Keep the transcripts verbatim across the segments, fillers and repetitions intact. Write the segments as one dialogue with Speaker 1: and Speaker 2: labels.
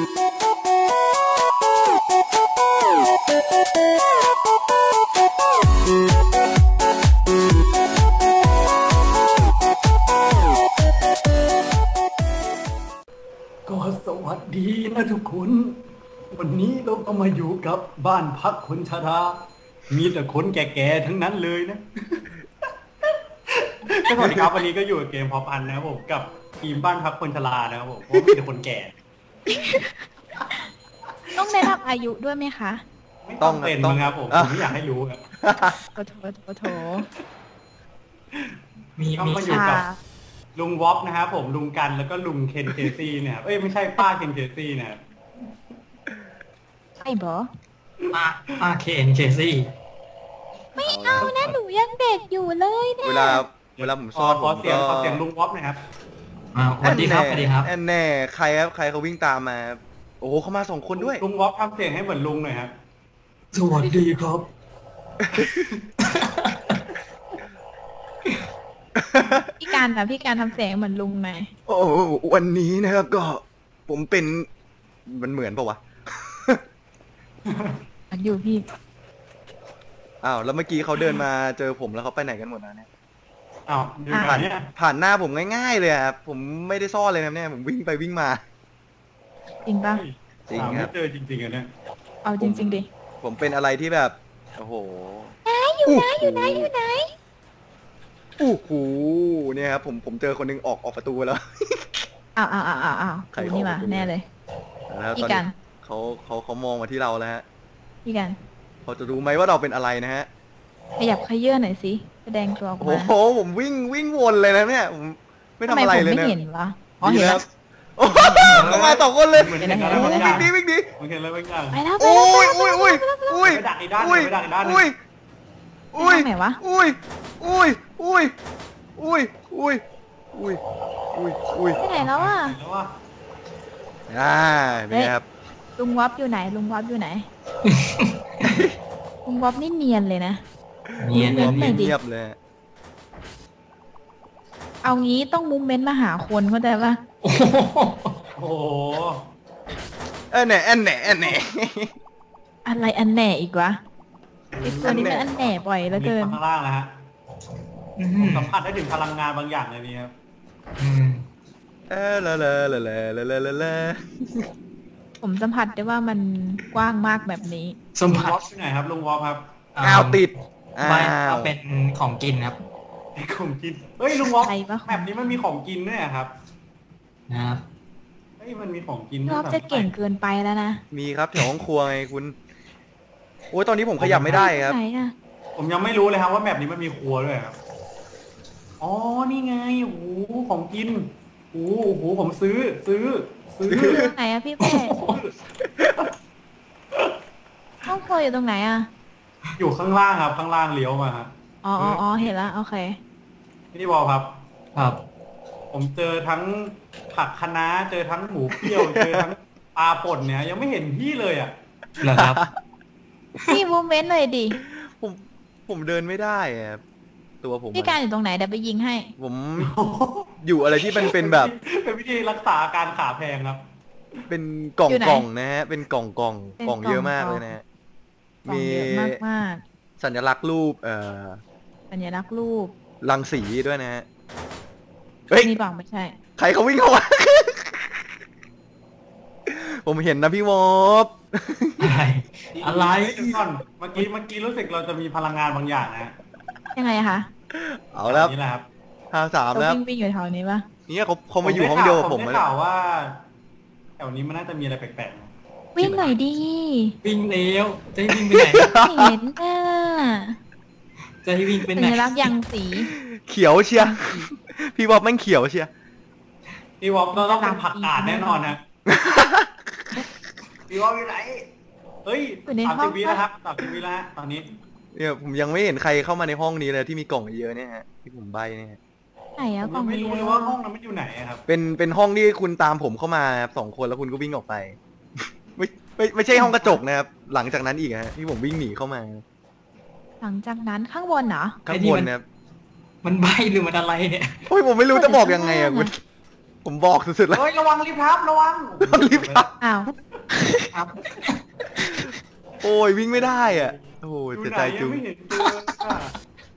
Speaker 1: ก็สวัสดีนะทุกคนวันนี้เราก็มาอยู่กับบ้านพักคนชรามีแต่คนแก่ๆทั้งนั้นเลยนะก็สวัสดีครับวันนี้ก็อยู่กับเกมพอพันนะครับผมกับทีมบ้านพักคนชรานะครับผมเพราะมีแต่คนแก่
Speaker 2: ต้องได้รับอายุด้วยไหมคะ
Speaker 1: ไม่ต้องเป็นนะครับผมผมไม่อยากให้รู้ครับ
Speaker 2: โถโถโถโถ
Speaker 1: มีมีอยู่กับลุงวอปนะครับผมลุงกันแล้วก็ลุงเคนเคซี่เนี่ยเอ้ยไม่ใช่ป้าเคนเคซี่นะครับ
Speaker 2: ใช่บอ
Speaker 3: ป้าป้าเคนเคซี่
Speaker 2: ไม่เอานะหนูยังเด็กอยู่เลยเนี่ย
Speaker 4: เวลาเวลาผมซ่อน
Speaker 1: ขอเสียงขอเสียงลุงวอปนะครับ
Speaker 3: สวัสดีครับสวัสดีครับ
Speaker 4: แอนแน่ใครครับใครเขาวิ่งตามมาโอ้โหเขามาสองคนด้วย
Speaker 1: ลุงวอปทำเสียงให้เหมือนลุงหน่อยครับ
Speaker 3: สวัสดีครับ
Speaker 2: พี่การนะพี่การทำเสียงเหมือนลุงไหม
Speaker 4: โอ้วันนี้นะครับก็ผมเป็นมันเหมือนปะวะ
Speaker 2: อันอยู่พี่
Speaker 4: อ้าวแล้วเมื่อกี้เขาเดินมาเจอผมแล้วเขาไปไหนกันหมดนะเนี่ย
Speaker 1: อ้าวผ่าน
Speaker 4: ผ่านหน้าผมง่ายๆเลยครับผมไม่ได้ซ่อนเลยนะเนี่ยผมวิ่งไปวิ่งมา
Speaker 2: จริงป่ะ
Speaker 4: จริงครับ
Speaker 1: เจอจริงๆอ่ะเนี่ย
Speaker 2: เอาจริงๆดิ
Speaker 4: ผมเป็นอะไรที่แบบโอ้โห
Speaker 2: ไหนอยู่ไหนอยู่ไหนอยู่ไหน
Speaker 4: โอ้โหเนี่ยครับผมผมเจอคนนึงออกออกประตูแล้ว
Speaker 2: อ้าวอ้าวอ้าวอ้าวนี่มาแน่เลย
Speaker 4: พี่กันเขาเขาเขามองมาที่เราแล้วฮะ
Speaker 2: พี่กัน
Speaker 4: เขาจะรู้ไหมว่าเราเป็นอะไรนะฮะ
Speaker 2: ขยับขยื่นหน่อยสิแสดงตัวออกมา
Speaker 4: โอ้โหผมวิ่งวิ่งวนเลยนะเนี่ยผมไม่ทำอะไรเลยนะ
Speaker 2: ไม่เห็นวะอ๋อเห็นแล้ว
Speaker 4: ก็มาต่อคนเลย
Speaker 1: วิ่
Speaker 4: งดีวิ่งดี
Speaker 1: มันเห็นแล้ววิ่งได้
Speaker 2: ไปแล้ว
Speaker 4: โอ้ยอุ้ยอุ้ยอุ้ย
Speaker 1: ไปดักอีกด้านไปดักอีกด้าน
Speaker 4: อุ้ยอุ้ย
Speaker 2: ไหนวะ
Speaker 4: อุ้ยอุ้ยอุ้ยอุ้ยอุ้ยอุ้ยอุ้ยอุ้ย
Speaker 2: ไปไหนแล้วอ่ะ
Speaker 4: อ่าเป็นไงครับ
Speaker 2: ลุงวับอยู่ไหนลุงวับอยู่ไหนลุงวับนี่เนียนเลยนะ
Speaker 3: เนียนเนียน
Speaker 4: เงียบเลย
Speaker 2: เอางี้ต้องมุมเม้นมาหาคนเข้าใจป่ะ
Speaker 1: โอ้โห
Speaker 4: เออแหน่แอนแหน่แอนแหน่
Speaker 2: อะไรอันแหน่อีกวะไอ้ตัวนี้มันอันแหน่บ่อยเหลือเกิน
Speaker 1: ข้างล่างนะฮะสัมผัสได้ถึงพลังงานบางอย่างเลยนี่ครับ
Speaker 4: เออเลอะเลอะเลอะเลอะเลอะเลอะ
Speaker 2: ผมสัมผัสได้ว่ามันกว้างมากแบบนี้
Speaker 1: สัมผัสที่ไหนครับลุงวอลครับ
Speaker 4: กาวติด
Speaker 3: ไม่เป็นของกินครับ
Speaker 1: ของกินเฮ้ยลุงวอลแบบนี้มันมีของกินด้วยครับ
Speaker 3: นะครับ
Speaker 1: เฮ้ยมันมีของกิน
Speaker 2: รอบจะเก่งเกินไปแล้วนะ
Speaker 4: มีครับแถวห้องครัวไงคุณโอ้ยตอนนี้ผมขยับไม่ได้ครับ
Speaker 1: ผมยังไม่รู้เลยครับว่าแบบนี้มันมีครัวด้วยครับอ๋อนี่ไงโอ้โหของกินโอ้โหผมซื้อซื้อซื้อ
Speaker 2: ไหนอะพี่เป้ห้องครัวอยู่ตรงไหนอะ
Speaker 1: อยู่ข้างล่างครับข้างล่างเลี้ยวมาครับ
Speaker 2: อ๋ออ๋อเห็นแล้วโอเค
Speaker 1: พี่บอลครับ
Speaker 3: ครับ
Speaker 1: ผมเจอทั้งผักคะน้าเจอทั้งหมูเปรี้ยวเจอทั้งปลาป่นเนี่ยยังไม่เห็นพี่เลยอ่ะ
Speaker 3: เหรอครับ
Speaker 2: พี่มูเมนต์เลยดิ
Speaker 4: ผมผมเดินไม่ได้ครับตัวผม
Speaker 2: พี่การอยู่ตรงไหนเดี๋ยวไปยิงให้
Speaker 4: ผมอยู่อะไรที่มันเป็นแบบ
Speaker 1: เป็นวิธีรักษาการขาแพงครับ
Speaker 4: เป็นกล่องกล่องนะฮะเป็นกล่องกล่องกล่องเยอะมากเลยนะฮะ
Speaker 2: มีมากมาก
Speaker 4: สัญลักษณ์รูปเอ่อ
Speaker 2: สัญลักษณ์รูป
Speaker 4: รังสีด้วยนะฮะ
Speaker 2: เฮ้ยนี่บอกไม่ใช่
Speaker 4: ใครเขาวิ่งเข้ามาผมเห็นนะพี่วอป
Speaker 3: อะไรอะไร
Speaker 1: ก่อนเมื่อกี้เมื่อกี้รู้สึกเราจะมีพลังงานบางอย่างนะ
Speaker 2: ยังไงคะ
Speaker 4: เอาแล้ว
Speaker 1: นี่แหละครับ
Speaker 4: ห้าสามแล้ว
Speaker 2: วิ่งวิ่งอยู่แถวนี้ปะ
Speaker 4: นี่เขาเขามาอยู่ห้องเดียวกับผม
Speaker 1: ได้ข่าวว่าแถวนี้มันน่าจะมีอะไรแปลก
Speaker 2: ๆวิ่งหน่อยดิ
Speaker 3: วิ่งเร็วจะวิ่งไปไหน
Speaker 2: เห็นอ่ะ
Speaker 3: จะให้วิ่งไปไหน
Speaker 2: สัญลักษณ์ยังสี
Speaker 4: เขียวเชียพี่วอปแม่งเขียวเชีย
Speaker 1: พี่วอปต้องเป็นผักกาดแน่นอนนะพี่วอปอยู่ไหนเฮ้ยสามสิบวิแล้วครับสามสิบวิแล้วตอนนี้
Speaker 4: เนี่ยผมยังไม่เห็นใครเข้ามาในห้องนี้เลยที่มีกล่องเยอะเนี่ยฮะที่ผมใบเนี่ย
Speaker 2: ไหนอะกล่อง
Speaker 1: ไม่รู้เลยว่าห้องนั้นมันอยู่ไหนครับ
Speaker 4: เป็นเป็นห้องที่คุณตามผมเข้ามาครับสองคนแล้วคุณก็วิ่งออกไปไม่ไม่ไม่ใช่ห้องกระจกนะครับหลังจากนั้นอีกฮะที่ผมวิ่งหนีเข้ามา
Speaker 2: หลังจากนั้นข้างบนเหรอ
Speaker 4: ข้างบนนะครับ
Speaker 3: มันใบหรือมันอะไรเนี่ย
Speaker 4: โอ้ยผมไม่รู้จะบอกยังไงอะคุณผมบอกสุดๆแล้ว
Speaker 1: เฮ้ยระวังรีบทับระวัง
Speaker 4: รีบทับ
Speaker 2: อ้าว
Speaker 1: ครับ
Speaker 4: โอ้ยวิ่งไม่ได้อ่ะโอ้ย
Speaker 1: ดู
Speaker 4: เสีย
Speaker 1: ไหน
Speaker 4: ใจ
Speaker 1: ยั
Speaker 4: จุ
Speaker 1: ง
Speaker 4: ง
Speaker 1: ไม่เห็นเจออ่ะ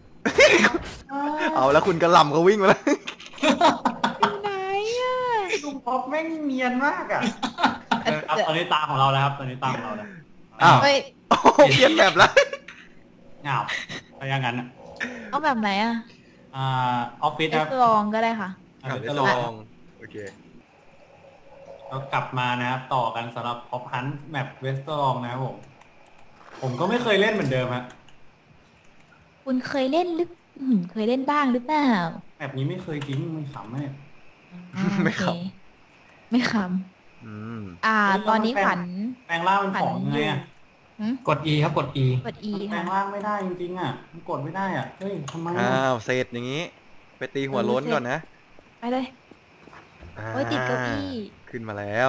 Speaker 4: เอาแล้วคุณกระหล่ำเขาวิ่งมาแล้ว
Speaker 2: อยู่ไหนอ่ะ
Speaker 1: ลุงป๊อปแม่งเนียนมากอ่ะครับตอนนี้ตาของเราแล้วครับตอนนี้ตาของเราแล้ว
Speaker 4: อ้าว
Speaker 2: เฮ้ย
Speaker 4: โอ้โหเปลี่ยนแบบแล้ว
Speaker 1: อ้าวถ้าอย่างนั้น
Speaker 2: เอาแบบไหนอ่ะ
Speaker 1: อ่าออฟฟิศ
Speaker 2: เอ
Speaker 1: ครับ
Speaker 2: สลองก็ได้ค่ะ
Speaker 1: อ่า
Speaker 4: เอา
Speaker 1: เดี๋ยว
Speaker 4: จะ
Speaker 1: จะ
Speaker 4: ล
Speaker 1: ล
Speaker 4: อ
Speaker 1: อง
Speaker 4: งโอเค
Speaker 1: เรากลับมานะครับต่อกันสำหรับพ็อปฮันต์แมปเวสต์ลองนะครับผมผมก็ไม่เคยเล่นเหมือนเดิมฮะ
Speaker 2: คุณเคยเล่นหรืออืมเคยเล่นบ้างหรือเปล่า
Speaker 1: แมปนี้ไม่เคยจริงไม่ขำแม่
Speaker 2: อ่า
Speaker 4: ไม่ขำ
Speaker 2: โอเคไม่ข
Speaker 4: อืม
Speaker 2: ำอ่า ตอนนี้ขวัญ
Speaker 1: แปลงร่างเป็นของยังไงอ่ะ
Speaker 2: หืม
Speaker 3: กด E ครับกด E
Speaker 2: กด E
Speaker 1: แปล
Speaker 2: ค่ะ
Speaker 1: งร่างไม่ได้จริงๆอ่ะมันกดไม่ได้อ่ะเฮ้ยทำไม
Speaker 4: อ้า
Speaker 1: อ่ะ
Speaker 4: วเสร็จอย่างนี้ ไปตีหัวโล้นก่อนนะ
Speaker 2: ไปเลย
Speaker 4: อ่า
Speaker 2: โอ้ยติดเก้าอี้
Speaker 4: ขึ้นมาแล้ว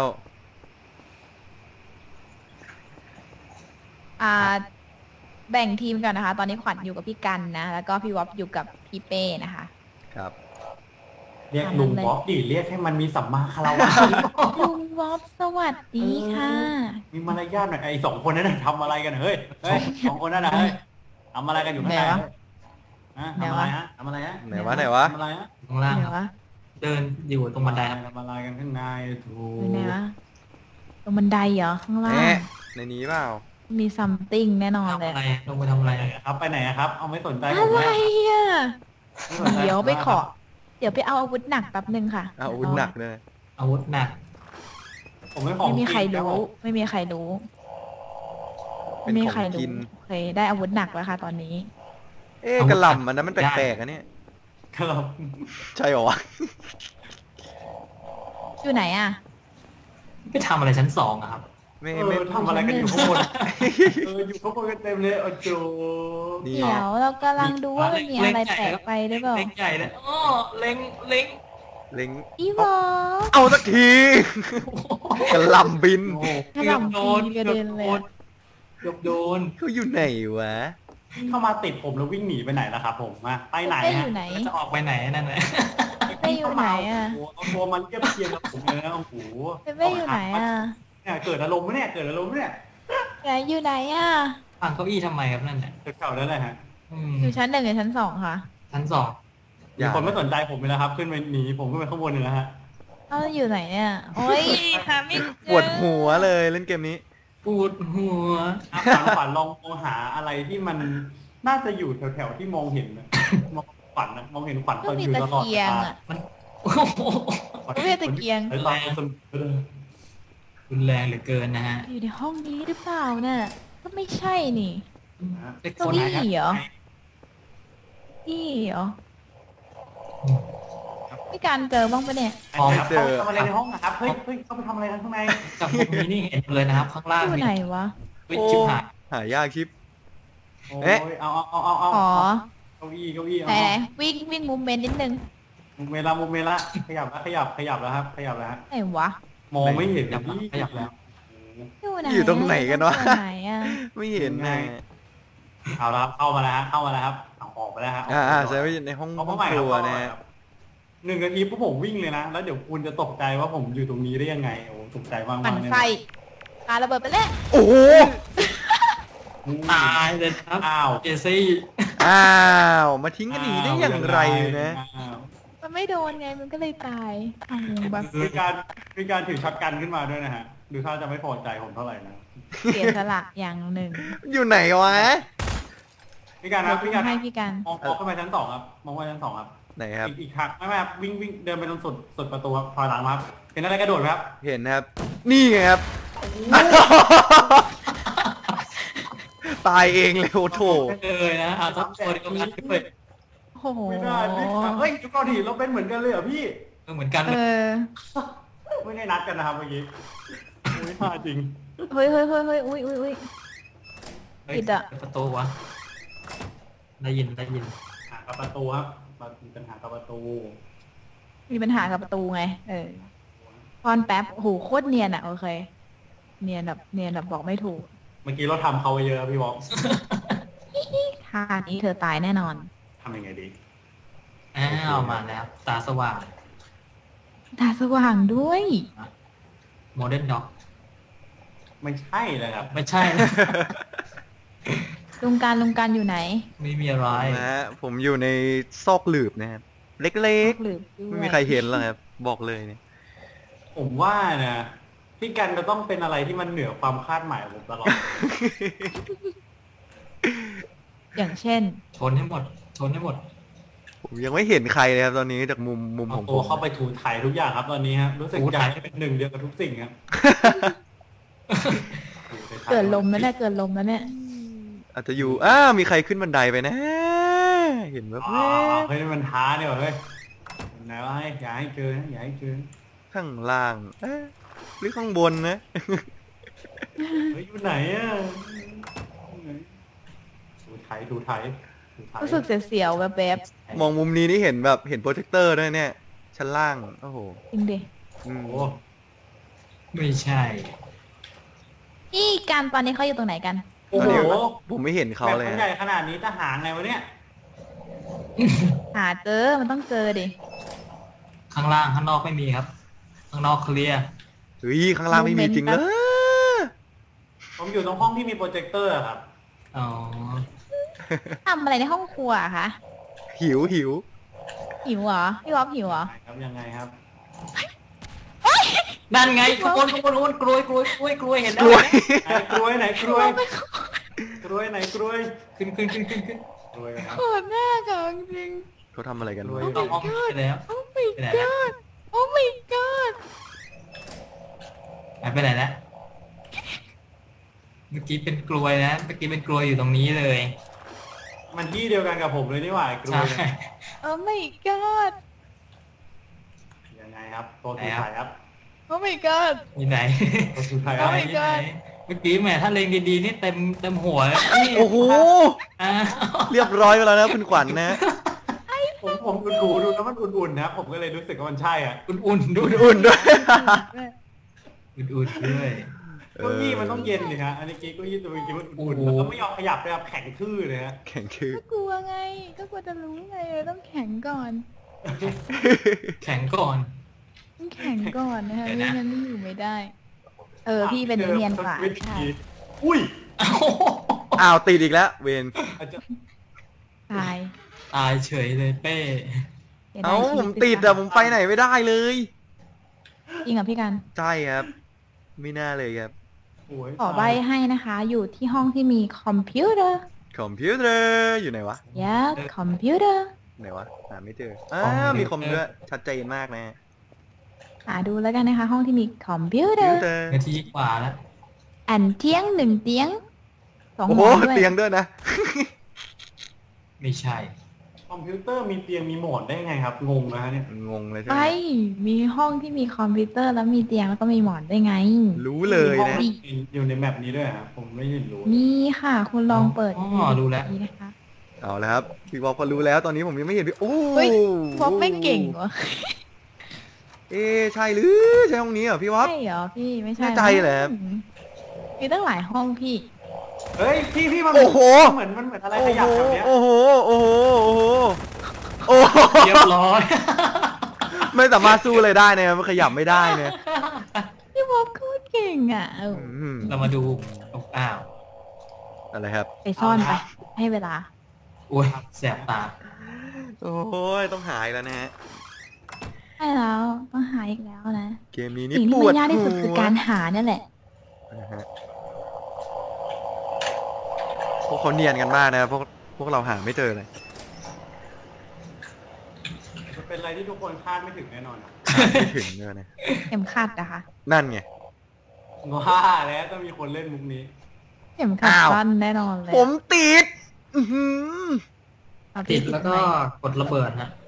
Speaker 2: อ่า แบ่งทีมก่อนนะคะ ตอนนี้ขวัญอยู่กับพี่กันนะ แล้วก็พี่วอฟอยู่กับพี่เป้นะคะ
Speaker 4: ครับ
Speaker 1: เรียกลุงบ๊อบดิเรียกให้มันมีสัมมาคารวะ
Speaker 2: ลุงวอฟสวัสดีค่ะ
Speaker 1: มีมารยาทหน่อยไอ้สองคนนั้นนะทำอะไรกันเฮ้ยเฮ้ยสองคนนั้นนะเฮ้ยทำอะไรกันอยู่ข้างใน
Speaker 2: ไหนวะ
Speaker 1: ฮะทำอะไรฮะทำอะไรฮะ
Speaker 4: ไหนวะไหนวะ
Speaker 1: ทำอะไรฮะ
Speaker 3: ข้างล่าง
Speaker 2: ไหน
Speaker 3: ครับ
Speaker 2: วะ
Speaker 3: เดินอยู่ตรงบันไดครับ
Speaker 1: ทำอะไรกันข้างในถู
Speaker 2: อยู่ไหนวะตรงบันไดเหรอ ข้างล่า
Speaker 4: แห
Speaker 2: ง
Speaker 4: มในนี้เปล่า
Speaker 2: มีซัมติงแน่นอน
Speaker 3: ทำ
Speaker 2: เลย
Speaker 3: อะไรลงไปทำอะไร
Speaker 1: ไปไหนครับไปไหนครับ เอาไม่สนใจผ
Speaker 2: อะ
Speaker 1: ม
Speaker 2: ไร
Speaker 1: นะ
Speaker 2: อ่ะ
Speaker 1: ม่สนใจ
Speaker 2: เดี๋ยวไปขอ
Speaker 1: ผมนะ
Speaker 2: เดี๋ยวไปเอาอาวุธหนักแป๊บหนึ่งค่ะ
Speaker 4: อ้าวอาวุธหนักเลย
Speaker 3: อาวุธหนัก
Speaker 1: ผมไม่ของ
Speaker 2: ไม่มีใคร
Speaker 1: จง
Speaker 2: รู้
Speaker 1: บผม
Speaker 2: ไม่มีใครรู้
Speaker 4: เป็
Speaker 2: ไม่
Speaker 4: น
Speaker 2: มี
Speaker 4: ของ
Speaker 2: ใคร
Speaker 4: กิ
Speaker 2: รู้
Speaker 4: น
Speaker 2: โอเคได้อาวุธหนักแล้วค่ะ ตอนนี้
Speaker 4: เอ๊ะกระหล่ำมันนั้นมันแปลกๆอะเนี่ย
Speaker 1: ครับ
Speaker 4: ใช่เหรอวะ
Speaker 2: อยู่ไหนอ่ะ
Speaker 3: ไปทำอะไรชั้นสองอะครับ
Speaker 4: ไม่
Speaker 1: เอ
Speaker 4: ไม่
Speaker 1: อทำอะไรกันอยู่ข้างบนเอออยู่ข้างบนกันเต็มเลยโอ้โจ
Speaker 4: นี่
Speaker 2: เดี๋ยวเรากำลังดูว่ามันมีอะไรแปลกไปหรือเปล่า
Speaker 3: เล็งใหญ่เลยอ้อเล็งเล็ง
Speaker 4: เล็ง
Speaker 2: พี่วอฟ
Speaker 4: เอาสักที กระหล่ำบิน
Speaker 1: โอ้โห
Speaker 2: กระหล่ำปีกระเด็นเลยอะ
Speaker 3: เกือบโดน
Speaker 4: เขาอยู่ไหนวะ
Speaker 1: วิ่งเข้ามาติดผมแล้ววิ่งหนีไปไหนล่ะครับผมมาไปไหน
Speaker 2: เป้อ
Speaker 1: ฮะ
Speaker 2: ยู่ไหน
Speaker 3: แล้วจะออกไปไหนนั่นแหละ
Speaker 2: เป้อยู่ไหนอ่ะ
Speaker 1: โอ้โหเอาตัวมันเทียบเคียงกับผมเลยนะโอ้โห
Speaker 2: เป้อยู่ไหนอ่ะ
Speaker 1: เนี่ยเกิดอารมณ์ไหมเนี่ยเกิดอารมณ์ไหมเนี่ย
Speaker 2: ไหนอยู่ไหนอ่ะ
Speaker 3: วางเก้าอี้ทำไมครับนั่นน่ะ
Speaker 1: เก่าๆนั่นแหละฮะ
Speaker 3: อืม
Speaker 2: อยู่ชั้นหนึ่งหรือชั้นสองคะ
Speaker 3: ชั้นสอง
Speaker 1: มีคนไม่สนใจผมเลยแล้วครับ ขึ้นไปหนีผมขึ้นไปข้างบนเลยแล้วฮะ
Speaker 2: เอ้าอยู่ไหนเนี่ยโอ้ยหาไม่เจอ
Speaker 4: ปวดหัวเลยเล่นเกมนี้
Speaker 3: ปวดหัว
Speaker 1: อ่ะฝันฝันลองมองหาอะไรที่มันน่าจะอยู่แถวๆที่มองเห็นนะมองฝันนะมองเห็นฝันต
Speaker 2: ก็
Speaker 1: อน
Speaker 2: มี
Speaker 1: อยู่
Speaker 2: ตะ
Speaker 1: ตลอด
Speaker 2: เกียงอ่ะ
Speaker 3: มันโอ้โห
Speaker 2: ก็มีตะเกียง
Speaker 1: ไอ้ตอนมันสนุกเลย
Speaker 3: รุนแรงเหลือเกินนะฮะ
Speaker 2: อยู่ในห้องนี้หรือเปล่าน่ะก็ไม่ใช่นี่
Speaker 1: นะฮะ
Speaker 3: เล็ก
Speaker 2: เก้า
Speaker 3: คน
Speaker 2: อี้
Speaker 3: ไหนครับ
Speaker 2: เหรอนี่เหรอพี่การเจอบ้างปะเนี่ย
Speaker 1: ไอ้ครับเขาทำอะไรในห้องนะครับเฮ้ยเฮ้ยเขาไปทำอะไรกันข้างใน
Speaker 3: กับพวกนี้นี่เห็นเลยนะครับ ข้างล่าง
Speaker 2: อยู่
Speaker 3: นี่
Speaker 2: ไหนวะ
Speaker 3: เฮ้ยชิบหาย
Speaker 4: หายากชิป
Speaker 1: โอ้
Speaker 4: เอ๊ะ
Speaker 1: ยเอาเอาเอาเอาเอา
Speaker 2: อ๋อ
Speaker 1: เก้าอี้เก้าอี้เอา
Speaker 2: ไหนๆวิ่งวิ่งมูเมนต์นิดนึง
Speaker 1: มุมเมล่ามุมเมล่าขยับแล้วขยับขยับแล้วครับ ขยับแล้วฮะ
Speaker 2: ไหนวะ
Speaker 1: มองไม่เห็น
Speaker 3: ขยับ
Speaker 1: พี่
Speaker 3: ขยับแล้ว
Speaker 2: อยู่ไหน
Speaker 4: อยู่ตรงไหนกันวะ
Speaker 2: อยู่ไหนอ่ะ
Speaker 4: ไม่เห็นนะ
Speaker 1: เอาละครับเข้ามาแล้วฮะเข้ามาแล้วครับเอาออกไปแล้วฮะ
Speaker 4: อ่าอ่าใช้ไว้ในห้อง
Speaker 1: เขา
Speaker 4: ห้
Speaker 1: เข้า
Speaker 4: อง
Speaker 1: ใหม่
Speaker 4: ค
Speaker 1: ครับ
Speaker 4: รัว
Speaker 1: เข้าให
Speaker 4: นะ
Speaker 1: ม่
Speaker 4: ฮะ
Speaker 1: ครับหนึ่งนาทีพวกผมวิ่งเลยนะแล้วเดี๋ยวคุณจะตกใจว่าผมอยู่ตรงนี้ได้ยังไงโอ้ตกใจมากๆ
Speaker 2: ปั่น
Speaker 1: เลย
Speaker 2: ไฟปาระเบิดไปเลย
Speaker 4: โอ้โห
Speaker 1: อืม
Speaker 3: ตายเลยครับ
Speaker 1: อ้าว
Speaker 3: เจซี่
Speaker 4: อ้าว มาทิ้งกันหนีได้อย่างไรนะ
Speaker 1: อ้าว
Speaker 2: มันไม่โดนไงมันก็เลยตายอ้าวแบบ
Speaker 1: มีการมีการถือช็อตกันขึ้นมาด้วยนะฮะดูท่าจะไม่พอใจผมเท่าไหร่นะ
Speaker 2: เสียสละอย่างหนึ่ง
Speaker 4: อยู่ไหนวะ
Speaker 1: พี่การค
Speaker 2: เดี๋
Speaker 1: รั
Speaker 2: ย
Speaker 1: บ
Speaker 2: ว
Speaker 1: พี่การ
Speaker 2: ให้พี่กัน
Speaker 1: มองมองขึ้นไปชั้นสองครับมองไปชั้นสองครับ
Speaker 4: ไหนครับ
Speaker 1: อีกอีกครั้งไม่ไม่ครับวิ่งวิ่งเดินไปตรงสุดสุดประตูครับถอยหลังมาครับเห็นอะไรกระโดดไหมครับ
Speaker 4: เห็นนะครับ นี่ไงครับ ตายเองเลยโอ้โถ
Speaker 3: เลยนะเอาทับตัวเดียวกันด้วย
Speaker 2: โอ้โห
Speaker 1: ไม่ได้พี่ครับเฮ้ยจุกอดีเราเป็นเหมือนกันเลยเหรอพี่
Speaker 3: เหมือนกัน
Speaker 2: เอ
Speaker 3: เลย
Speaker 2: อ
Speaker 1: ไม่ได้นัดกันนะครับเมื่อกี้ไม่พลาดจริง
Speaker 2: เฮ้ยเฮ้ยเฮ้ยเฮ้ยอุ้ยอุ้ยอุ้ย
Speaker 3: เฮ้ย
Speaker 2: ผิดอะ
Speaker 3: ประตูวะ ได้ยินได้ยิน
Speaker 1: หากับประตูครับมีปัญหากับประตู
Speaker 2: มีปัญหากับประตูไง เออพอนแป๊บโอ้โหโคตรเนียนอะโอเค เนียนแบบเนียนแบบบอกไม่ถูก
Speaker 1: เมื่อกี้เราทำเขาไปเยอะพี่บอก
Speaker 2: ท่านี้เธอตายแน่นอน
Speaker 1: ทำยังไงดี
Speaker 3: อ้าวมาแล้ว ตาสว่าง
Speaker 2: ตาสว่างด้วย
Speaker 3: โมเดิร์นด็อก
Speaker 1: ไม่ใช่เลยครับ
Speaker 3: ไม่ใช่นะ
Speaker 2: ลุงการลุงการอยู่ไหน
Speaker 3: ไม่มีอะไร
Speaker 4: นะฮะผมอยู่ในซอกหลืบนะครับเล็ก
Speaker 2: หรือ
Speaker 4: ๆไม่มีใครเห็นหรอกครับบอกเลยเนี่ย
Speaker 1: ผมว่านะพี่กันจะต้องเป็นอะไรที่มันเหนือความคาดหมายของผมตลอด
Speaker 2: อย่างเช่น
Speaker 3: ชนให้หมด ชนให้หมด
Speaker 4: ผมยังไม่เห็นใครเลยครับตอนนี้จากมุมมุมข
Speaker 1: เอา
Speaker 4: องผ
Speaker 1: ตัว
Speaker 4: ม
Speaker 1: เข้าไปถูถ่ายทุกอย่างครับตอนนี้ครับรู้สึก
Speaker 3: ถู
Speaker 1: อยา
Speaker 3: ถ่าก ย
Speaker 1: ให้เป็นหนึ่งเดียวกับทุกสิ่งครับ
Speaker 2: เกิดลมแล้วเนี่ยเกิดลมแล้วเนี่ย
Speaker 4: อาจจะอยู่อ้ามีใครขึ้นบันไดไปนะ เห็นแบบ
Speaker 1: อ๋อเฮ้ยมันท้าเนี่ยว่ะเฮ้ยไหนว่าให้อย่าให้เจอนะอย่าให้เจอ
Speaker 4: ข้างล่างเอ๊ะหรือข้างบนนะ
Speaker 1: เฮ้ยอยู่ไหนอ่ะถูไถถูไถถูไถ
Speaker 2: รู้สึกเสียวๆแบบ
Speaker 4: มองมุมนี้นี่เห็นแบบเห็นโปรเจคเตอร์ด้วยเนี่ย ชั้นล่างโอ้โห
Speaker 2: ๆจริงดิ
Speaker 4: อืม
Speaker 1: โอ้
Speaker 3: ไม่ใช่
Speaker 2: นี่การตอนนี้เขาอยู่ตรงไหนกัน
Speaker 1: โอ้โห
Speaker 4: ผมไม่เห็นเขาเลย
Speaker 1: แบบมัน
Speaker 4: ฮะ
Speaker 1: ใหญ่ขนาดนี้จะหาไงวะเนี่ย
Speaker 2: หาเจอมันต้องเจอดิ
Speaker 3: ข้างล่างข้างนอกไม่มีครับ ข้างนอกเคลียร์
Speaker 4: เฮ้ยข้างล่างไม่มีจริงเลย
Speaker 1: ผมอยู่ตรงห้องที่มีโปรเจคเตอร์อะครับ
Speaker 3: อ๋อ
Speaker 2: ทำอะไรในห้องครัวอะคะ
Speaker 4: หิวหิว
Speaker 2: หิวเหรอพี่วอฟหิวเหรอ
Speaker 1: ครับยังไงครับ
Speaker 3: นั่นไงขบวนขบวนขบวนกลวยกลวยกลวยกลวยเห็นแล้
Speaker 4: ก
Speaker 3: ว
Speaker 4: ล้วย
Speaker 1: ไหนกล้วยไหนกล้วยกล้วยไหนกล้วย
Speaker 3: ขึ้นขึ้นขึ้นขึ้นขึ้น
Speaker 1: กล้วยครับ
Speaker 2: โคตรน่าจังจริง
Speaker 4: เขาทำอะไรกัน
Speaker 1: กล้
Speaker 4: วะ
Speaker 1: วย
Speaker 3: เอาห้องไปแล้ว
Speaker 2: โอ้ my
Speaker 3: ไปไหนแล้ว
Speaker 2: god โอ้ my god
Speaker 3: ไปไหนแล้วเมื่อกี้เป็นกลวยนะเมื่อกี้เป็นกลวยอยู่ตรงนี้เลย
Speaker 1: มันที่เดียวกันกับผมเลยนี่หว่าไอ้กล้
Speaker 3: ใช่
Speaker 1: วยเนี่ย
Speaker 2: โอ้ my god
Speaker 1: ยังไงครับตัวถูไถครับ
Speaker 2: โอ้ my god
Speaker 3: มีไหน
Speaker 1: ตัวถูไถค
Speaker 2: โอ้
Speaker 1: รับ
Speaker 2: my god
Speaker 3: เมื่อกี้แหมถ้าเลงดีๆนี่เต็มเต็มหัวเลยนี่
Speaker 4: โอ้โห
Speaker 3: อ่า
Speaker 4: เรียบร้อยไปแล้วนะคุณขวัญนะ
Speaker 1: ผมผมดูดูดูแล้วมันอุ่นๆนะผมก็เลยรู้สึกว่ามันใช่อ่ะ
Speaker 3: อุ่นๆดู
Speaker 4: อุ่นๆด้วย
Speaker 3: อุ่นๆด้วย
Speaker 1: เก้าอี้มันต้องเย็นดิฮะอันนี้เก้าอี้ตัวเมื่อกี้มันอุ่นๆ
Speaker 3: โอ้โห
Speaker 1: แล้วก็ไม่ยอมขยับเลยครับแข็งทื่อเลยฮะ
Speaker 4: แข่งคือ
Speaker 2: ก็กลัวไง ก็กลัวจะรู้ไงต้องแข็งก่อน
Speaker 3: แข็งก่อน
Speaker 2: ต้องแข็งก่อนนะคะ
Speaker 3: เดี๋ยว
Speaker 2: ไม่
Speaker 3: นะ
Speaker 2: งั้นไม่อยู่ไม่ได้ เออพี่เป็นเนียนกว่า
Speaker 1: วิ
Speaker 2: ใช่
Speaker 1: ธีอุ้ย
Speaker 4: อ้าวติดอีกแล้ว เวน
Speaker 1: อาจจะ
Speaker 2: ตาย
Speaker 3: ตายเฉยเลยเป้
Speaker 2: สียดย
Speaker 4: เอ้า
Speaker 2: ชี
Speaker 4: ผมติดอะผมไปไหนไม่ได้เลย
Speaker 2: จริงเหรอพี่กัน
Speaker 4: ใช่ครับ ไม่น่าเลยครับ
Speaker 1: โอ้ย
Speaker 2: ขอใบให้นะคะ อยู่ที่ห้องที่มีคอมพิวเตอร์
Speaker 4: คอมพิวเตอร์อยู่ไหนวะ
Speaker 2: yeah คอมพิวเตอร์
Speaker 4: ไหนวะหาไม่เจออ้าวมีคอมด้วยชัดเจนมากนะ
Speaker 2: หาดูแล้วกันนะคะ ห้องที่มีคอมพิวเตอ
Speaker 4: พิว
Speaker 2: ร์
Speaker 4: เตอร์
Speaker 3: นาทีกว่าแล้ว
Speaker 2: อันเตียงหนึ่งเตียงสอง
Speaker 4: โอ้
Speaker 2: ห
Speaker 4: โห
Speaker 2: มอนด้วย
Speaker 4: เตียงด้วยนะ
Speaker 3: ไม่ใช่
Speaker 1: คอมพิวเตอร์มีเตียงมีหมอนได้ไงครับงงนะฮะเนี่ย
Speaker 4: งงเลยใช่
Speaker 2: ไป
Speaker 4: ไหม
Speaker 2: มีห้องที่มีคอมพิวเตอร์แล้วมีเตียงแล้วก็มีหมอนได้ไง
Speaker 4: รู้เลย
Speaker 1: มีห้อง
Speaker 4: นะ
Speaker 1: อยู่ในแมปนี้ด้วยครับผมไม่เห็นรู้
Speaker 2: มีค่ะ คุณลองเปิด
Speaker 3: อ๋อรู้แล้ว
Speaker 2: ดีนะคะ
Speaker 4: เอาแล้วครับพี่บอกพอรู้แล้วตอนนี้ผมยังไม่เห็นพี่โอ้
Speaker 2: เฮ้ยบ๊อบไม่เก่งวะ
Speaker 4: เอ๊ะใช่หรือใช่ห้องนี้เหรอพี่วอบ
Speaker 2: ใช่เหรอพี่ไม่ใช่
Speaker 4: แน่ใจเหรอครับ
Speaker 2: มีตั้งหลายห้องพี่
Speaker 1: เฮ้ยพี่พี่มัน
Speaker 4: โอ้โห
Speaker 1: เหมือนมันเหมือนอะไร
Speaker 4: โอ้
Speaker 1: ข
Speaker 4: โห
Speaker 1: ยับแบบเนี้ย
Speaker 4: โอ้โหโอ้โหโอ้โหโอ้โห
Speaker 3: เรียบร้อย
Speaker 4: ไม่สามารถสู้เลยได้เนี่ยมันขยับไม่ได้เนี่ย
Speaker 2: พี่บ๊อบโคตรเก่งอ่ะเออ
Speaker 4: อืม
Speaker 3: เรามาดูอ้าว
Speaker 4: อะไรครับ
Speaker 2: ไปซ่อนไปให้เวลา
Speaker 3: โอ้ยแสบตา
Speaker 4: โอ้ยต้องหายแล้วนะฮะ
Speaker 2: ใช่แล้วต้องหาอีกแล้วนะ
Speaker 4: เกมนี้นี่
Speaker 2: สิ่ง
Speaker 4: ป
Speaker 2: ที่
Speaker 4: ว
Speaker 2: มั
Speaker 4: ด
Speaker 2: นยากที่สุด
Speaker 4: หัว
Speaker 2: คือการหาเนี่ยแหละ
Speaker 4: นะฮะพวกเขาเนียนกันมากนะพวกพวกเราหาไม่เจอเลย
Speaker 1: มันเป็นอะไรที่ทุกคนคาดไม่ถึงแน่นอนอะ
Speaker 4: หาไม่ถึงเลยนะ
Speaker 2: เข็มขัดนะคะ
Speaker 4: นั่นไง
Speaker 1: ว่าแล้วต้องมีคนเล่นมุกนี้
Speaker 2: เข็มขัด
Speaker 4: อ้าว
Speaker 2: สั้นแน่นอนเลย
Speaker 4: ผมติด อื้อหือ
Speaker 2: เอาพี่
Speaker 3: ติดแล้วก็
Speaker 2: ไหม
Speaker 3: กดระเบิดฮะ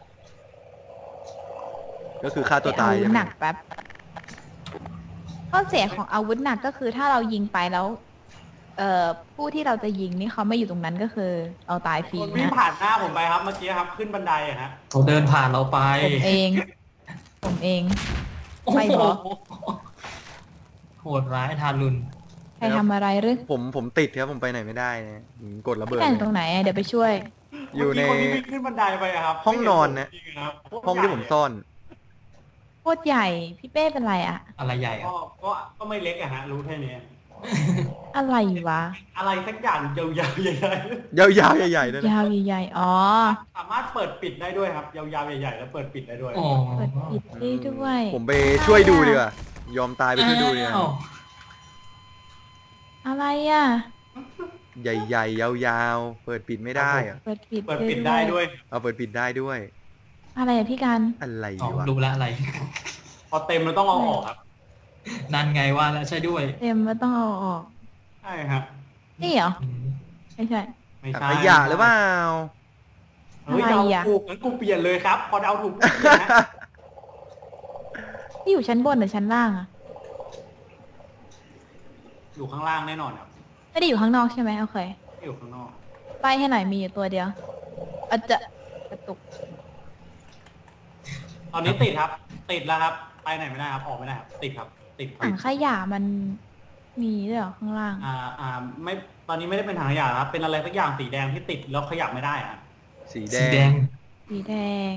Speaker 4: ก็คือฆ่าตัวตาย
Speaker 2: ไปเออาวุ
Speaker 4: ใช่
Speaker 2: ธ
Speaker 4: ไห
Speaker 2: ห
Speaker 4: ม
Speaker 2: นักแป๊บข้อเสียของอาวุธหนักก็คือถ้าเรายิงไปแล้ว เอ่อผู้ที่เราจะยิงนี่เขาไม่อยู่ตรงนั้นก็คือเราตายฟรี
Speaker 1: คนวิ่ง
Speaker 2: นะ
Speaker 1: ผ่านหน้าผมไปครับเมื่อกี้ครับขึ้นบันไดอะฮะ
Speaker 3: เขาเดินผ่านเราไป
Speaker 2: ผมเอง ผมเอง
Speaker 3: โอ้
Speaker 2: ไม่
Speaker 3: โห
Speaker 2: บอก
Speaker 3: โหดร้ายทารุณ
Speaker 2: ใครทำอะไรหรือ
Speaker 4: ผมผมติดครับผมไปไหนไม่ได้นะอืมกดระเบิด
Speaker 2: แข่ง
Speaker 4: เลย
Speaker 2: ตรงไหนอะเดี๋ยวไปช่วย
Speaker 4: อยู่ใน
Speaker 1: เมื่กี้คนที่วิ่งขึ้นบันไดไปอะครับ
Speaker 4: ห้องนอนนะ
Speaker 1: ไม่เห็ผมจริงๆครับ
Speaker 4: ห้องที่ผมซ่อน
Speaker 2: โคตรใหญ่พี่เป้เป็นไรอะ
Speaker 3: อะไรใหญ่อะ
Speaker 1: ก็ก็ก็ไม่เล็กอะฮะรู้แค่นี้
Speaker 2: อะไรวะ
Speaker 1: อะไรสักอย่างยาวๆใหญ่
Speaker 4: ยาวๆใหญ่ๆด้วยนะ
Speaker 2: ยาวใหญ่ๆอ๋อ
Speaker 1: ๆสามารถเปิดปิดได้ด้วยครับยาวๆใหญ่ๆแล้วเปิดปิดได้ด้วย
Speaker 3: โอ้
Speaker 2: เปิดปิดได้ด้วย
Speaker 4: ผมไปช่วยดูดีกว่ายอมตายไปช่วยดูเนี่ย
Speaker 3: อ้าว
Speaker 2: อะไรอะ
Speaker 4: ใหญ่ๆยาวๆเปิดปิดไม่ได้อะ
Speaker 2: เปิดปิด
Speaker 1: เปิดปิดได้ด้วย
Speaker 4: เอาเปิดปิดได้ด้วย
Speaker 2: อะไรอะพี่กัน
Speaker 4: อะไร
Speaker 3: อ๋อ
Speaker 4: วะ
Speaker 3: รู้แล้วอะไร
Speaker 1: พอเต็มเราต้องเอาออกครับ
Speaker 3: นั่นไงว่าแล้วใช่ด้วย
Speaker 2: เต็มไม่ต้องเอาออก
Speaker 1: ใช่ครับ
Speaker 2: นี่เหรอ
Speaker 3: อืม
Speaker 2: ไม่ใช่
Speaker 1: ไม่
Speaker 4: ถัง
Speaker 1: ใช่
Speaker 4: ขยะหรือเปล่า
Speaker 1: เฮ้ย
Speaker 2: อะไร
Speaker 1: เดา
Speaker 2: อะ
Speaker 1: ถูกงั้นกูเปลี่ยนเลยครับ พอเดาถูกกูเปลี่ยนนะ
Speaker 2: ที่อยู่ชั้นบนหรือชั้นล่างอะ
Speaker 1: อยู่ข้างล่างแน่นอนครับ
Speaker 2: ไม่ได้อยู่ข้างนอกใช่ไหมโอเค
Speaker 1: ไม่อยู่ข้างนอก
Speaker 2: ไปให้หน่อยมีอยู่ตัวเดียวอาจจะกระตุก
Speaker 1: ตอนนี้ติดครับ ติดแล้วครับ ไปไหนไม่ได้ครับ ออกไม่ได้ครับ ติดครับ ติดครับ
Speaker 2: ถังขยะมันมีด้วยเหรอข้างล่าง
Speaker 1: อ่า อ่า ไม่ ตอนนี้ไม่ได้เป็นถังขยะครับ เป็นอะไรสักอย่างสีแดงที่ติดแล้วขยับไม่ได้อะ
Speaker 4: สีแด
Speaker 3: สีแด
Speaker 4: ง
Speaker 3: ง
Speaker 2: สีแดง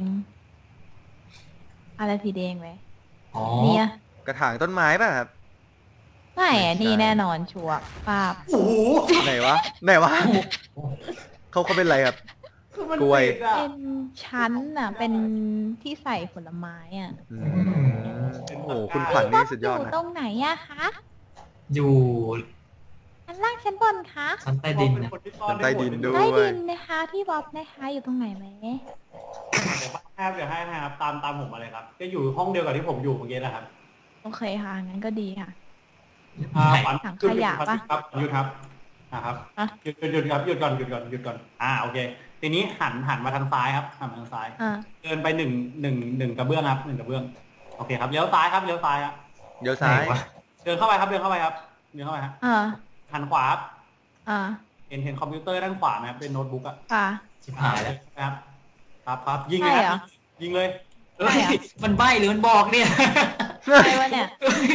Speaker 2: อะไรสีแดงไหม
Speaker 3: อ๋อ
Speaker 2: เนี่ย
Speaker 4: กระถางต้นไม้ป่ะครับ
Speaker 2: ไม่อะนี่แน่นอนชัวร์ป้าบ
Speaker 1: โอ้โห
Speaker 4: ไหนวะไหนวะเขาเขาเป็นอะไรครับ
Speaker 1: คือมัน
Speaker 4: กล้วย
Speaker 1: ติดอะ
Speaker 2: เป็นชั้นอะเป็นที่ใส่ผลไม้อะ
Speaker 4: อืมโอ้โหคุณขวัญนี่สุดยอด
Speaker 2: อยู่
Speaker 4: นะ
Speaker 2: ตรงไหนอะคะ
Speaker 3: อยู่
Speaker 2: ชั้นล่างชั้นบนคะ
Speaker 3: ชั้นใต้ดินนะ
Speaker 1: เป็นคนที่ซ่อน
Speaker 4: ใต้ดินด้วย
Speaker 2: ใต้ดินนะคะพี่บ๊อบนะคะอยู่ตรงไหนไหม
Speaker 1: เดี๋ยวแทบเดี๋ยวให้นะครับ ตามตามผมมาเลยครับ ก็อยู่ห้องเดียวกับที่ผมอยู่เมื่อกี้แหละครับ
Speaker 2: โอเคค่ะงั้นก็ดีค่ะ
Speaker 1: อ่า
Speaker 3: ไหน
Speaker 1: ขวัญ
Speaker 2: ถัง
Speaker 1: หยุด
Speaker 2: ขยะปะ
Speaker 1: ครับหยุดครับอ่าครับ
Speaker 2: อะ
Speaker 1: หยุดหยุดหยุดครับหยุดก่อนหยุดก่อนหยุดก่อนอ่าโอเค ทีนี้หันหันมาทางซ้ายครับหันมาทางซ้าย
Speaker 2: อ่า
Speaker 1: เดินไปหนึ่งหนึ่งหนึ่งกระเบื้องครับหนึ่งกระเบื้องโอเคครับเลี้ยวซ้ายครับเลี้ยวซ้ายครับ
Speaker 4: เดี๋ยวซ้าย
Speaker 3: ไหนวะ
Speaker 1: เดินเข้าไปครับเดินเข้าไปครับเดินเข้าไปครับ
Speaker 2: อ่า
Speaker 1: หันขวาครับ
Speaker 2: อ่า
Speaker 1: เห็นเห็นคอมพิวเตอร์ด้านขวาไหมครับเป็นโน้ตบุ๊กอะ
Speaker 2: ค่ะ
Speaker 3: ชิบหายแล้ว
Speaker 1: นะครับครับครับยิงเลย
Speaker 2: ใช่
Speaker 1: ค
Speaker 2: เหร
Speaker 1: รั
Speaker 2: อ
Speaker 1: บยิงเลย
Speaker 3: เอ้ยมันใบ้หรือมันบอกเนี่ย
Speaker 2: อะไรวะเนี่ย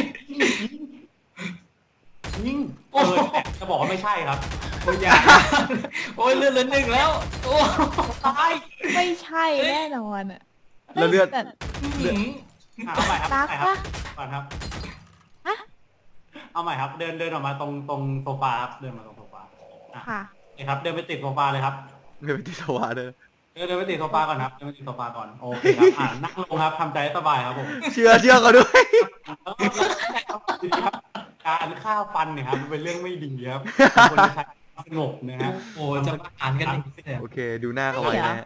Speaker 1: ยิง
Speaker 3: โอ้
Speaker 1: เอ
Speaker 3: โห
Speaker 1: อจะบอกว่าไม่ใช่ครับโอ้ยอย่า
Speaker 3: โอ้ยเลือดเหลือหนึ่งแล้ว โอ้
Speaker 1: ตาย
Speaker 2: ไม่ใช่แน่นอนอะ
Speaker 4: แล้วเลือด
Speaker 2: แต่
Speaker 3: หืม
Speaker 1: อ่ะเอาใหม่ครับ
Speaker 2: รัก
Speaker 1: เอาใหม่ครับ
Speaker 2: ปะ
Speaker 1: ก่อนครับ
Speaker 2: ฮะ
Speaker 1: เอาใหม่ครับ เดินเดินออกมาตรงตรงโซฟาครับเดินมาตรงโซฟาอ่ะ
Speaker 2: ค่ะ
Speaker 1: นี่ครับ เดินไปติดโซฟาเลยครับ
Speaker 4: เดินไปที่สวาเด้อ
Speaker 1: เดินเดินไปติดโซฟาก่อนครับเดินไปติดโซฟาก่อนโอเคครับอ่านั่งลงครับทำใจให้สบายครับผม
Speaker 4: เชื่อเชื่อเขาด้วย
Speaker 1: แล้วก็ครับการฆ่าฟันเนี่ยครับมันเป็นเรื่องไม่ดีครับคนที่ใช้สงบนะฮะ
Speaker 3: โอ้จะมาอ่านกันอย่างนี้เลย
Speaker 4: โอเค ดูหน้าเขาไว้นะฮะ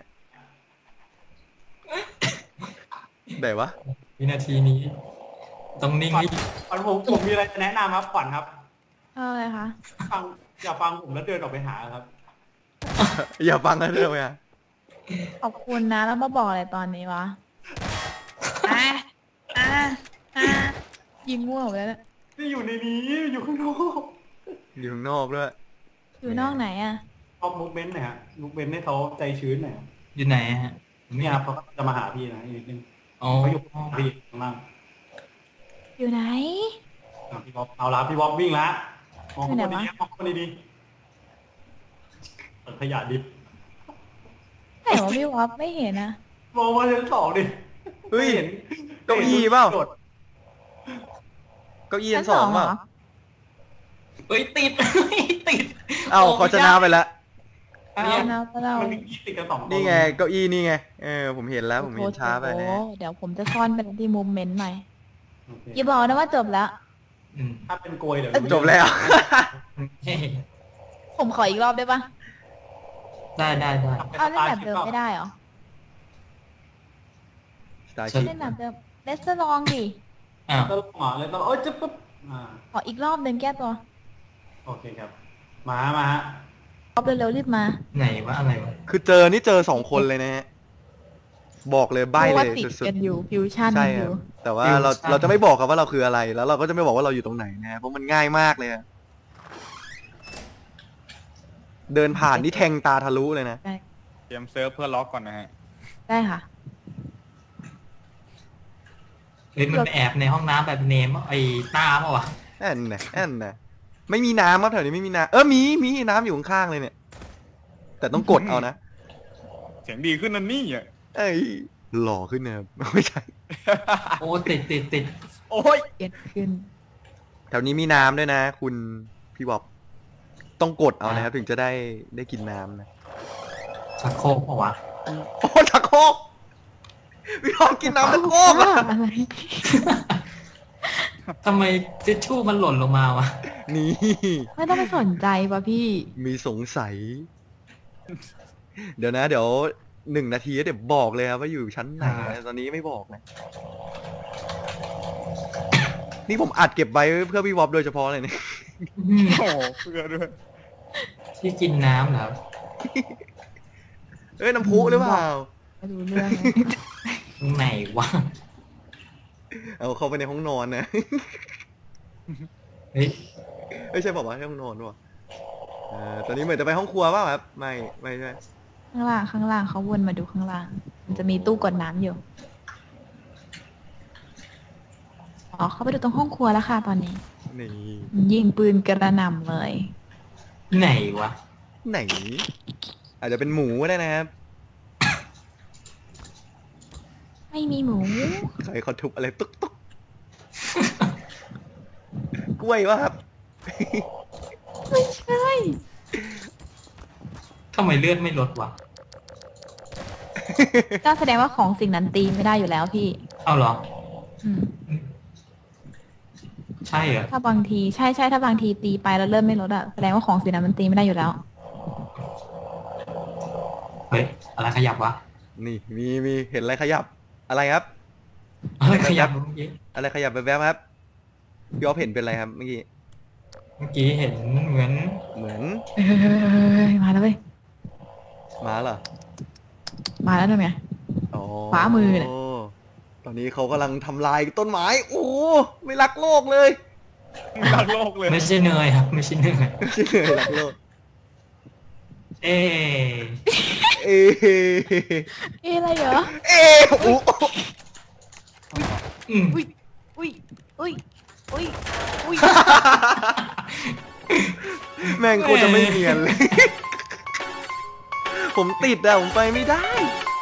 Speaker 4: ไหนวะ
Speaker 3: วินาทีนี้ ต้องนิ่งให้
Speaker 1: ขวัญผมผมมีอะไรจะแนะนำครับขวัญครับ
Speaker 2: เอาอะไรคะ
Speaker 1: ฟังอย่าฟังผมแล้วเดินออกไปหาครับ
Speaker 4: อย่าฟังกันเลยอ่ะ
Speaker 2: ขอบคุณนะแล้วมาบอกอะไรตอนนี้วะอ่ะอ่ะอ่ะยิงมั่วหมดแล้วเนี่ย
Speaker 1: นี่อยู่ในนี้อยู่ข้างนอก
Speaker 4: อยู่ข้างนอกด้วย
Speaker 2: อยู่นอกไหนอะ
Speaker 1: ชอบมูฟเมนต์หน่อยฮะมูฟเมนต์ให้เขาใจชื้นหน่อย
Speaker 3: อยู่ไหนฮะ
Speaker 1: เนี่ยครับเขาจะมาหาพี่นะอีกนิดนึง
Speaker 3: อ๋อ
Speaker 1: เขาอยู่ข้างพี่ข้างล่าง
Speaker 2: อยู่ไหน
Speaker 1: อ่ะพี่บ๊อบเอาละพี่บ๊อบวิ่งละมองคน
Speaker 2: อยู่ไหน
Speaker 1: ดี
Speaker 2: วะ
Speaker 1: ๆมองคนดีๆเปิดขยะดิบ
Speaker 2: ไหนวะพี่วอฟไม่เห็นนะ
Speaker 1: มองมาชั้นสองดิ
Speaker 4: เฮ้ย
Speaker 1: ไม่ห็น
Speaker 4: เก้าอี้เปล่า
Speaker 1: โดด
Speaker 4: เก้าอี้อันสอง
Speaker 2: เหร
Speaker 4: เปล่า
Speaker 2: อ
Speaker 3: เอ้ยติด ติด
Speaker 4: เอ้าเขาชนะไปแล้ว
Speaker 1: อ้าว
Speaker 2: เอานะพวกเรา
Speaker 1: มันมียี่ติดกันสองคน
Speaker 4: นี่ไงเก้าอี้นี่ไง เออผมเห็นแล้วผมเห็นช้าไปนะ
Speaker 2: โอ้โหเดี๋ยวผมจะซ่อนเป็นที่มุมเมนต์ใหม่
Speaker 1: โอเค
Speaker 2: อย่าบอกนะว่าจบแล้ว
Speaker 3: อืม
Speaker 1: ถ้าเป็นโกยเดี๋ยว
Speaker 4: จบแล้ว
Speaker 3: เฮ้ย
Speaker 2: ผมขออีกรอบได้ปะ
Speaker 3: ได้ได้ได้
Speaker 2: เอาเล่นแบบเดิมไม่ได้เหรอ
Speaker 4: สตาร์ชิพ
Speaker 2: เล่นแบบเดิมเลสเตอร์ลองดิ
Speaker 3: อ้าว
Speaker 1: ตลกหมอเลยตลกโอ้ยจะปุ๊บอ่า
Speaker 2: ขออีกรอบหนึ่งแก้ตัว
Speaker 1: โอเคครับ มามาฮะ
Speaker 2: รอบเร็วๆรีบมา
Speaker 3: ไหนวะอะไรวะ
Speaker 4: คือเจอนี่เจอสองคนเลยนะฮะ บอกเลยใบ้
Speaker 2: พราะ
Speaker 4: เล
Speaker 2: ว่าย ติด
Speaker 4: สุด
Speaker 2: กันอยู่ฟิวชั่น
Speaker 4: ๆ ใช่
Speaker 2: อ
Speaker 4: ครับ
Speaker 2: ยู่
Speaker 4: แต่ว่าเราเราจะไม่บอกครับว่าเราคืออะไร แล้วเราก็จะไม่บอกว่าเราอยู่ตรงไหนนะ เพราะมันง่ายมากเลยอะเดินผ่านนี่แทงตาทะลุเลยนะ
Speaker 5: เตรียมเซิร์ฟเพื่อล็อกก่อนนะฮะ
Speaker 2: ได้ค่ะ
Speaker 3: เฮ้ยมันไปแอบในห้องน้ำแบบเนมไอ้ตาเปล่าวะ
Speaker 4: แอนนะแอนนะไม่มีน้ำครับแถวนี้ไม่มีน้ำเออมีมีน้ำอยู่ข้างๆเลยเนี่ย แต่ต้องกดเอานะ
Speaker 5: เสียงดีขึ้นนั่นนี่อ่ะ
Speaker 4: เอ้ยหล่อขึ้นนะครับ ไม่ใช่
Speaker 3: โอ้ติดติดติด
Speaker 5: โอ้ย
Speaker 2: เกิดขึ้น
Speaker 4: แถวนี้มีน้ำด้วยนะ คุณพี่บ๊อบต้องกดเอานะครับถึงจะได้ได้กินน้ำนะ
Speaker 3: ชักโครกเปล่าวะ
Speaker 4: โอ้ชักโครกพี่บ๊อบกินน้ำชักโครกอะ
Speaker 2: อะไร
Speaker 3: ทำไมทิชชู่มันหล่นลงมาวะ
Speaker 4: นี่
Speaker 2: ไม่ต้องไปสนใจป่ะพี่
Speaker 4: มีสงสัย เดี๋ยวนะ เดี๋ยวหนึ่งนาทีเดี๋ยวบอกเลยครับว่าอยู่ชั้นไหนนะตอนนี้ไม่บอกนะ นี่ผมอัดเก็บไว้เพื่อพี่วอบโดยเฉพาะเลยเนี่ย
Speaker 5: โอ้โหเพื่อด้วย
Speaker 3: ที่กินน้ำเหรอครับ
Speaker 4: เอ้ยน้ำพุหรือเปล่า
Speaker 2: ไม่รู้เรื่องเลย
Speaker 3: ตรงไหนวะ
Speaker 4: เอาเข้าไปในห้องนอนนะ
Speaker 3: เฮ้ย
Speaker 4: ไม่ใช่บอกว่าห้องนอนวะเอ่อตอนนี้เหมือนจะไปห้องครัวเปล่าครับ ไม่ ไม่ใช่
Speaker 2: ข้างล่างข้างล่างเขาวนมาดูข้างล่าง มันจะมีตู้กดน้ำอยู่ อ๋อเขาไปดูตรงห้องครัวแล้วค่ะตอนนี้
Speaker 4: นี่
Speaker 2: ยิงปืนกระหน่ำเลย
Speaker 3: ไหนวะ
Speaker 4: ไหน อาจจะเป็นหมูก็ได้นะครับ
Speaker 2: ไม่มีหมู
Speaker 4: ใครเขาทุบอะไรตุ๊กตุ๊กกล้วยวะครับ
Speaker 2: ไม่ใช่
Speaker 3: ทำไมเลือดไม่ลดวะ
Speaker 2: ก็แสดงว่าของสิ่งนั้นตีไม่ได้อยู่แล้วพี่
Speaker 3: เอาเหรอ
Speaker 2: อืม
Speaker 3: ใช่เหรอ
Speaker 2: ถ้าบางทีใช่ใช่ถ้าบางทีตีไปแล้วเริ่มไม่ลดอะแสดงว่าของสิ่งนั้นมันตีไม่ได้อยู่แล้ว
Speaker 3: เฮ้ย อะไรขยับวะ
Speaker 4: นี่มีมีเห็นอะไรขยับ อะไรครับ
Speaker 3: อะไรขยับเมื่อกี้
Speaker 4: อะไรขยับแวบๆครับพี่อ๊อฟเห็นเป็นอะไรครับเมื่อกี้
Speaker 3: เมื่อกี้เห็นเหมือน
Speaker 4: เหมือน
Speaker 2: เฮ้ยมาแล้วเว้ย
Speaker 4: หมาเหรอ
Speaker 2: มาแล้วทำไง
Speaker 4: อ๋อ
Speaker 2: ขวามือเนี่ย
Speaker 4: ตอนนี้เขากำลังทำลายต้นไม้ โอ้โหไม่รักโลกเลย
Speaker 5: ไม่รักโลกเลย
Speaker 3: ไม่ใช่เนยครับ ไม่ใช่เนย
Speaker 4: ไม่ใช่เลยรักโลก
Speaker 3: เอ๊
Speaker 4: เอ๊ะ
Speaker 2: เอ๊ะอะไรเหรอ
Speaker 4: เอ๊ะโอ้โห
Speaker 3: อืม
Speaker 2: อุ้ยอุ้ยอุ้ยอุ้ยอุ้ย
Speaker 4: แม่งโคตรจะไม่เนียนเลย ผมติดอะผมไปไม่ได้